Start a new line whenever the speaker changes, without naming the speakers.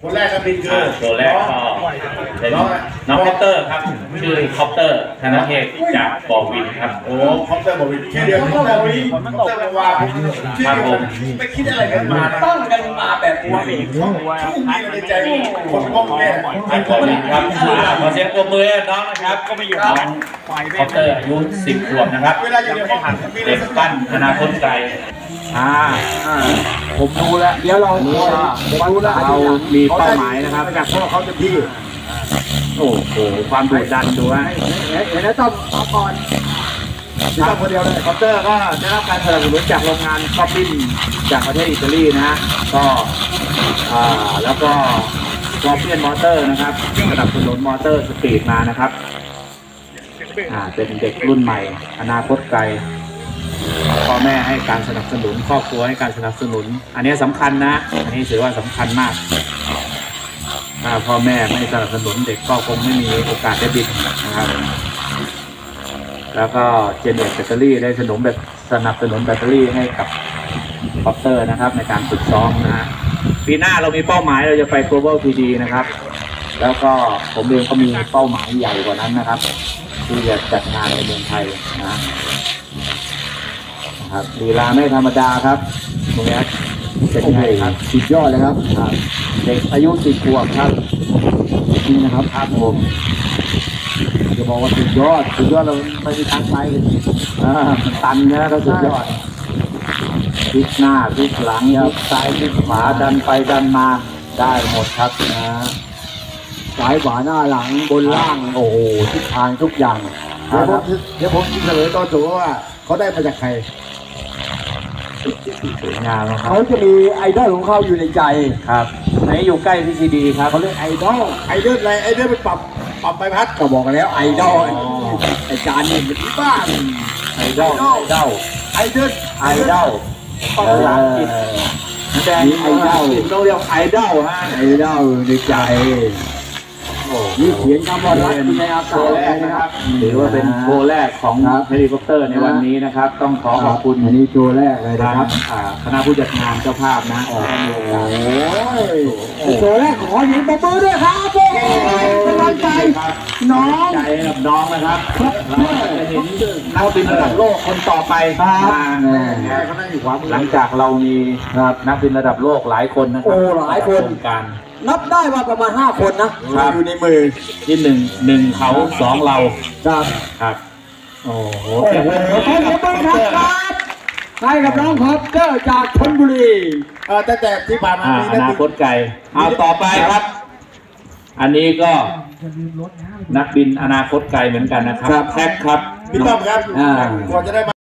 คนแรกก็บินคือ
ตัวแรกก็เป็นน้องคอปเตอร์ครับชื่อคอปเตอร์ธนเทพจากบอวินครับ
โอ้คอปเตอร์บอวินชื่อเดียวคอปเตอร์บอวินคอปเตอร์ว่าชื่อเดียวไม่คิดอะไรกันมา
ตั้งกันมาแบบนี้
ช่วงนี้ในใจคนก้มแม่
บอวินครับขอเสียงปรบมือน้องนะครับก็ไม่อยู่น้องคอปเตอร์อายุ10 ขวบนะครับ
เวลาอยู่ในห้องหัน
เด็กปั้นอนาคตไกล
ผมดูแล้วเดี๋ยวเราดูแล้ว
เรามีเป้าหมายนะครับ
จากพ่อเขาจะพี่
โอ้โหความดุดันดูว่า
เห็นแล้วต้องเอาก่อน
ทำคนเดียวเลย
คอปเตอร์ก็ได้รับการสนับสนุนจากโรงงานคอปปิ้นจากประเทศอิตาลีนะฮะก็แล้วก็คอปเปียนมอเตอร์นะครับสนับสนุนมอเตอร์สปีดมานะครับเป็นเด็กรุ่นใหม่อนาคตไกลพ่อแม่ให้การสนับสนุนครอบครัวให้การสนับสนุนอันนี้สำคัญนะอันนี้ถือว่าสำคัญมากถ้าพ่อแม่ไม่สนับสนุนเด็กก็คงไม่มีโอกาสได้บินนะครับแล้วก็เจเนตแบตเตอรี่ได้สนับสนุนแบตเตอรี่ให้กับคอปเตอร์นะครับในการฝึกซ้อมนะฮะปีหน้าเรามีเป้าหมายเราจะไป Global 3D นะครับแล้วก็ผมเองก็มีเป้าหมายใหญ่กว่านั้นนะครับที่จะจัดงานในเมืองไทยนะครับลีลาไม่ธรรมดาครับตรงนี้เป็นไงครับ
สุดยอดเลยครับ
เด็กอายุ10 ขวบครับ
จริงนะครับ
ผม
จะบอกว่าสุดยอดเราไม่มีทางไป
ตันนะก็สุดยอดพลิกหน้าพลิกหลังพลิกซ้ายพลิกขวาดันไปดันมาได้หมดครับ
ซ้ายขวาหน้าหลังบนล่างโอ้โหทิศทางทุกอย่าง
เดี๋ยวผมเฉลยตอนสูงว่าเขาได้มาจากใคร
สวยงามครับ
เขาจะมีไอดอลของเขาอยู่ในใจ
ครับไหนอยู่ใกล้พีซีดีครับ
เขาเรียกไอดอลอะไรไปปรับใบพัด
ก็บอกกันแล้วไอดอลไอจานนี่มันบ้า
ไอดอล
ไอดอล
แดงไอดอลต้องเรียกไอดอลฮะ
ไอดอลในใจนี่เขียนคำว่ารักในอากาศ
นะครับถือว่าเป็นโชว์แรกของเฮลิคอปเตอร์ในวันนี้นะครับต้องขอบคุณ
อันนี้โชว์แรกเลยนะครับ
คณะผู้จัดงานเจ้าภาพนะ
โอ้โชว์แรกขอหญิงปรบมือด้วยครับกำลังใจน้อง
กับน้องนะครับจะเห็นนักบินระดับโลกคนต่อไปหลังจากเรามีนักบินระดับโลกหลายคนนะครับ
หลายคน
การ
นับได้ว่าประมาณ5 คนนะอยู่ในมือ
ที่หนึ่งเขา2เราครับ
โอ้โหขอบคุณครับให้กับน้องคอปเตอร์จากชลบุรี
แต่ที่ผ่านมา
อนาคตไกลเอาต่อไปครับอันนี้ก็นักบินอนาคตไกลเหมือนกันนะครับแท็กครับ
พี่ต้อมครับกว่าจะได้